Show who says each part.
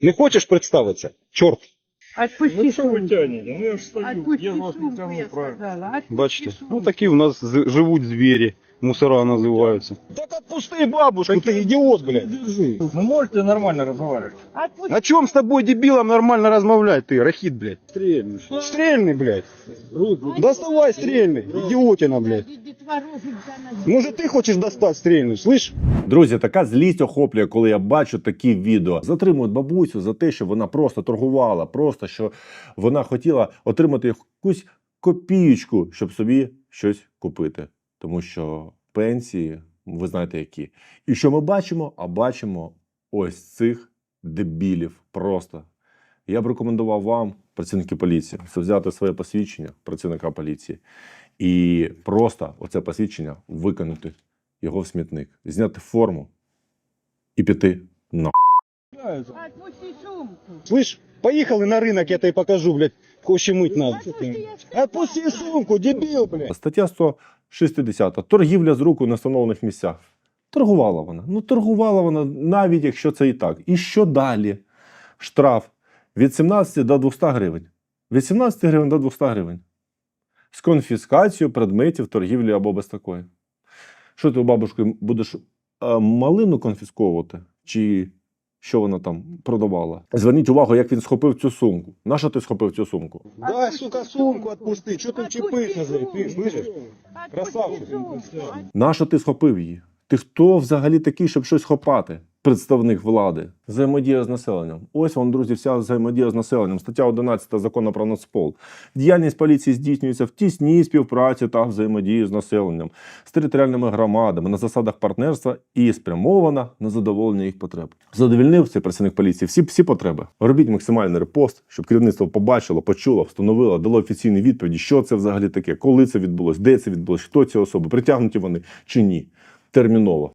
Speaker 1: Не хочеш представитися? Чорт.
Speaker 2: Отпусти
Speaker 3: Ну что вы
Speaker 2: сумку.
Speaker 3: тянете? Ну я же стою,
Speaker 2: Отпусти
Speaker 3: я вас не
Speaker 2: сумку,
Speaker 3: тяну,
Speaker 2: я
Speaker 3: правильно.
Speaker 2: сказала. Отпусти
Speaker 1: Бачите?
Speaker 2: сумку.
Speaker 1: Ну такі у нас живуть звірі. Мусора називаються. Так отпусти бабушку, ты идиот, блядь.
Speaker 3: Держи. Вы можете нормально разговаривать?
Speaker 2: Отпусти.
Speaker 1: О чем с тобой, дебилом, нормально размовлять, ты, рахит, блядь?
Speaker 3: Стрельну.
Speaker 1: Стрельный, блядь. Доставай стрельный, идиотина, блядь. Может, ты хочешь достать стрельный, слышь?
Speaker 4: Друзі, така злість охоплює, коли я бачу такі відео. Затримують бабусю за те, що вона просто торгувала, просто що вона хотіла отримати якусь копієчку, щоб собі щось купити. Тому що пенсії, ви знаєте які. І що ми бачимо? А бачимо ось цих дебілів просто. Я б рекомендував вам, працівники поліції, взяти своє посвідчення працівника поліції і просто оце посвідчення викинути його в смітник, зняти форму і піти на.
Speaker 2: Отпусти сумку.
Speaker 1: Слышь, поехали на рынок, я тебе покажу, блядь, коще мыть надо.
Speaker 2: Отпусти, я сказала.
Speaker 1: Отпусти сумку, дебил, блядь.
Speaker 4: Стаття 160. Торгівля з рук у нестановлених місцях. Торгувала вона. Ну, торгувала вона, навіть якщо це і так. І що далі? Штраф від 17 до 200 гривень. Від 17 гривень до 200 гривень. З конфіскацією предметів торгівлі або без такої. Що ти у бабушки будеш малину конфісковувати? Чи що вона там продавала? Зверніть увагу, як він схопив цю сумку. Нащо ти схопив цю сумку?
Speaker 1: Дай, сука, сумку отпусти. Что ты вчепишься за ней, ты слышишь? Красавчик.
Speaker 4: Нащо ти схопив її? Ти хто взагалі такий, щоб щось хопати? Представник влади. Взаємодія з населенням. Ось вам, друзі, вся взаємодія з населенням. Стаття 11 Закону про Нацпол. Діяльність поліції здійснюється в тісній співпраці та взаємодії з населенням, з територіальними громадами, на засадах партнерства і спрямована на задоволення їх потреб. Задовільнив цей працівник поліції всі потреби. Робіть максимальний репост, щоб керівництво побачило, почуло, встановило, дало офіційні відповіді, що це взагалі таке, коли це відбулось, де це відбулось, хто ці особи, притягнуті вони чи ні. Терміново.